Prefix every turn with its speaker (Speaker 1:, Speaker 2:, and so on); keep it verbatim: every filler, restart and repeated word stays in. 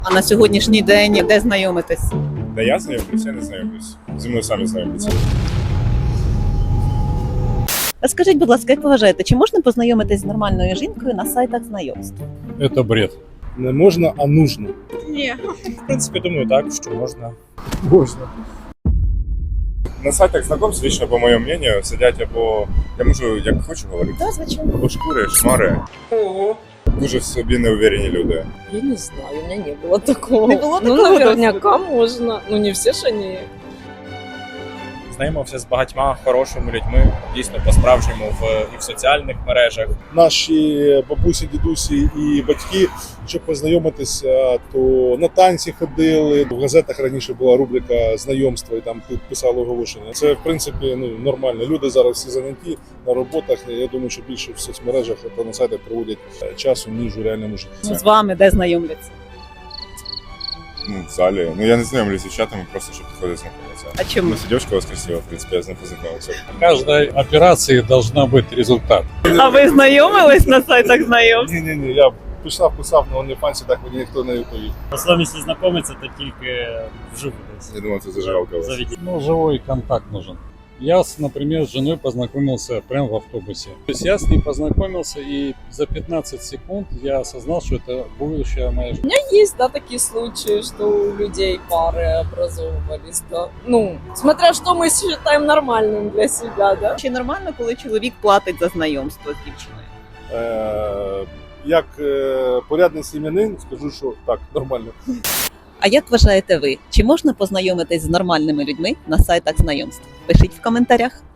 Speaker 1: А на сьогоднішній день де знайомитесь?
Speaker 2: Да я знайомлюсь, я не знайомлюсь. Зі мною самі знайомляться.
Speaker 1: Скажіть, будь ласка, як ви вважаєте, чи можна познайомитись з нормальною жінкою на сайтах знайомств?
Speaker 3: Это бред.
Speaker 4: Не можна, а нужно.
Speaker 5: Ні.
Speaker 6: В принципі, думаю, так, що можна.
Speaker 4: Можна.
Speaker 2: На сайтах знакомств, лично, по моєму мнению, сидять або, я можу як хочу говорити,
Speaker 1: Так, звичайно.
Speaker 2: або шкури, шмари.
Speaker 5: Ого.
Speaker 2: Дуже в собі неуверені люди.
Speaker 7: Я не знаю, у меня не было такого.
Speaker 1: Не было
Speaker 7: Ну,
Speaker 1: такого
Speaker 7: наверняка можно. Ну, не все ж они.
Speaker 6: Знайомився з багатьма хорошими людьми, дійсно по-справжньому в і в соціальних мережах.
Speaker 4: Наші бабусі, дідусі і батьки, щоб познайомитися, то на танці ходили. В газетах раніше була рубрика знайомства, і там писали оголошення. Це, в принципі, ну, нормально. Люди зараз всі заняті на роботах. Я думаю, що більше в соцмережах та на сайтах проводять часу, ніж у реальному житті.
Speaker 1: Ну, з вами де знайомляться?
Speaker 2: Ну, в залі. Ну, я не знайомлюсь з дівчатами, просто щоб підходити знайомитися.
Speaker 1: А чому?
Speaker 2: Ну, девушка у вас красива, в принципі, я з ним познайомився.
Speaker 3: В каждой операции должна быть результат.
Speaker 1: А ви знайомились на сайтах знайомств?
Speaker 4: Ні-ні-ні, я писав, писав на OnlyFans, так мені ніхто не відповів.
Speaker 8: В основному, якщо знайомиться, то тільки вживу десь.
Speaker 2: Я думаю, це зажигалка у вас.
Speaker 8: Заведіть.
Speaker 3: Ну, живой контакт нужен. Я, с, например, с женой познакомился прямо в автобусе. То есть я с ней познакомился, и за пятнадцать секунд я осознал, что это будущая моя жена.
Speaker 7: Есть, да, такие случаи, что у людей пары образовывались, да. Ну, смотря что мы считаем нормальным для себя, да.
Speaker 1: Чи нормально, коли чоловік платить за знайомство з дівчиною?
Speaker 4: Е, як е, порядний сім'янин, скажу, що так, нормально.
Speaker 1: А як вважаєте ви, чи можна познайомитись з нормальними людьми на сайтах знайомств? Пишіть в коментарях.